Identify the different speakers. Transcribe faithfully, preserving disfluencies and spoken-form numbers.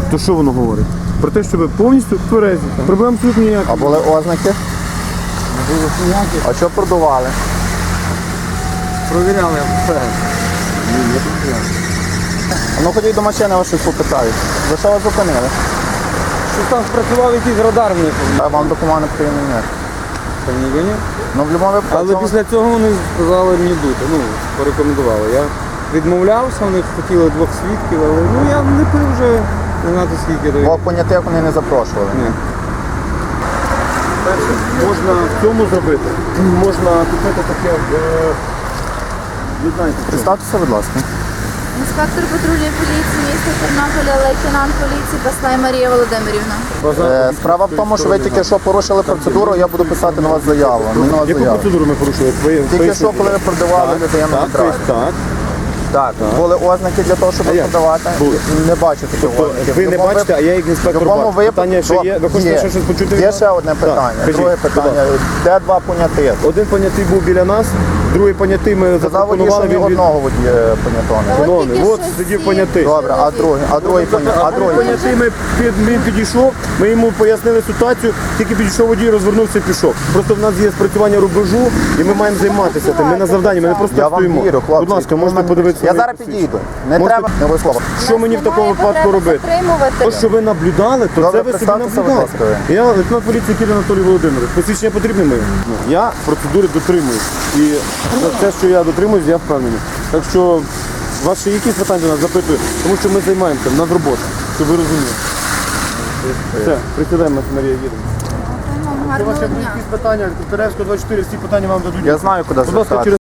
Speaker 1: То що воно говорить? Про те, що ви повністю тверезі. Проблем абсолютно ніяких.
Speaker 2: А були ознаки?
Speaker 1: Не було ніяких.
Speaker 2: А що продували?
Speaker 1: Провіряли все. Ні, не провіряли.
Speaker 2: А ну ходіть до машини, вас щось попитають. За що вас зупинили?
Speaker 1: Що там спрацював якийсь радар в них?
Speaker 2: А вам документи потрібні ні?
Speaker 1: Та ніби ні.
Speaker 2: Ну в будь-якому випадку.
Speaker 1: Але після цього вони сказали мені дути, ну, порекомендували. Я відмовлявся, вони хотіли двох свідків, але ну я не пив вже не знати скільки.
Speaker 2: Двох понятих вони не запрошували.
Speaker 1: Ні. Перше, можна в цьому зробити. Можна купити таке в... Ви знаєте, що?
Speaker 2: Представтеся, будь ласка.
Speaker 3: Інспектор патрульної поліції міста Тернополя, лейтенант поліції Баслай Марія Володимирівна.
Speaker 2: Е, Справа в тому, що ви тільки що порушили процедуру, я буду писати на вас заяву. Не на вас
Speaker 1: Яку
Speaker 2: заяву.
Speaker 1: процедуру ми порушили? Ви-
Speaker 2: Тільки
Speaker 1: поясніть,
Speaker 2: що, коли ви
Speaker 1: будь ласка.
Speaker 2: продавали людину
Speaker 1: Так,
Speaker 2: на драйв.
Speaker 1: так.
Speaker 2: Так, були ознаки для того, щоб
Speaker 1: А як?
Speaker 2: продавати.
Speaker 1: Були.
Speaker 2: Не бачу таких
Speaker 1: Тобто
Speaker 2: ознаків.
Speaker 1: ви
Speaker 2: В
Speaker 1: не
Speaker 2: любому
Speaker 1: бачите, а я як
Speaker 2: В
Speaker 1: інспектор
Speaker 2: будь-якому
Speaker 1: бачу.
Speaker 2: випадку
Speaker 1: Питання ще є? Ви хочете
Speaker 2: є.
Speaker 1: ще щось почути? від
Speaker 2: Є
Speaker 1: нас?
Speaker 2: ще одне
Speaker 1: Так,
Speaker 2: питання.
Speaker 1: кажіть,
Speaker 2: Друге
Speaker 1: будь
Speaker 2: питання.
Speaker 1: ласка.
Speaker 2: Де два понятих?
Speaker 1: Один понятий був біля нас, другий понятий ми
Speaker 2: Сказав водій, що
Speaker 1: запропонували.
Speaker 2: ні
Speaker 1: Він від...
Speaker 2: одного водія понятого не було.
Speaker 1: Шановний,
Speaker 3: Тільки
Speaker 1: от
Speaker 3: що
Speaker 1: сидів
Speaker 3: всі
Speaker 1: понятий.
Speaker 2: Добре, а другий, а другий понятий, а другий понятий.
Speaker 1: Понятий ми під, він підійшов, ми йому пояснили ситуацію, тільки підійшов водій, розвернувся і пішов. Просто в нас є спрацювання рубежу і ми маємо займатися тим. Ми на завданні, ми не просто
Speaker 2: Я вам
Speaker 1: стоїмо.
Speaker 2: вірю, хлопці.
Speaker 1: Будь ласка, можете
Speaker 2: Мене-
Speaker 1: подивитися.
Speaker 2: Я
Speaker 1: мої
Speaker 2: зараз
Speaker 1: посвідчення.
Speaker 2: підійду. Не
Speaker 1: Можете-
Speaker 2: треба, не ви слово.
Speaker 1: Що мені в такому випадку робити? То, що ви наблюдали, то
Speaker 2: Добре,
Speaker 1: це ви собі
Speaker 2: представтеся, будь
Speaker 1: наблюдали.
Speaker 2: ласка,
Speaker 1: Я лейтенант поліції Кіря Анатолій Володимирович. Посвідчення потрібне моє? Ну, я процедури дотримуюсь. І за те, що я дотримуюсь, я впевнений. Так що у вас ще якісь питання до нас запитую, тому що ми займаємося, в нас робота, щоб ви розуміли. Все, присідаємо, Марія, їдемо. Якщо у вас
Speaker 3: Гарного
Speaker 1: ще будуть
Speaker 3: дня.
Speaker 1: якісь питання, Теревського двадцять чотири, всі питання вам дадуть.
Speaker 2: Я знаю, куди
Speaker 1: Будь ласка,
Speaker 2: звертатися.
Speaker 1: через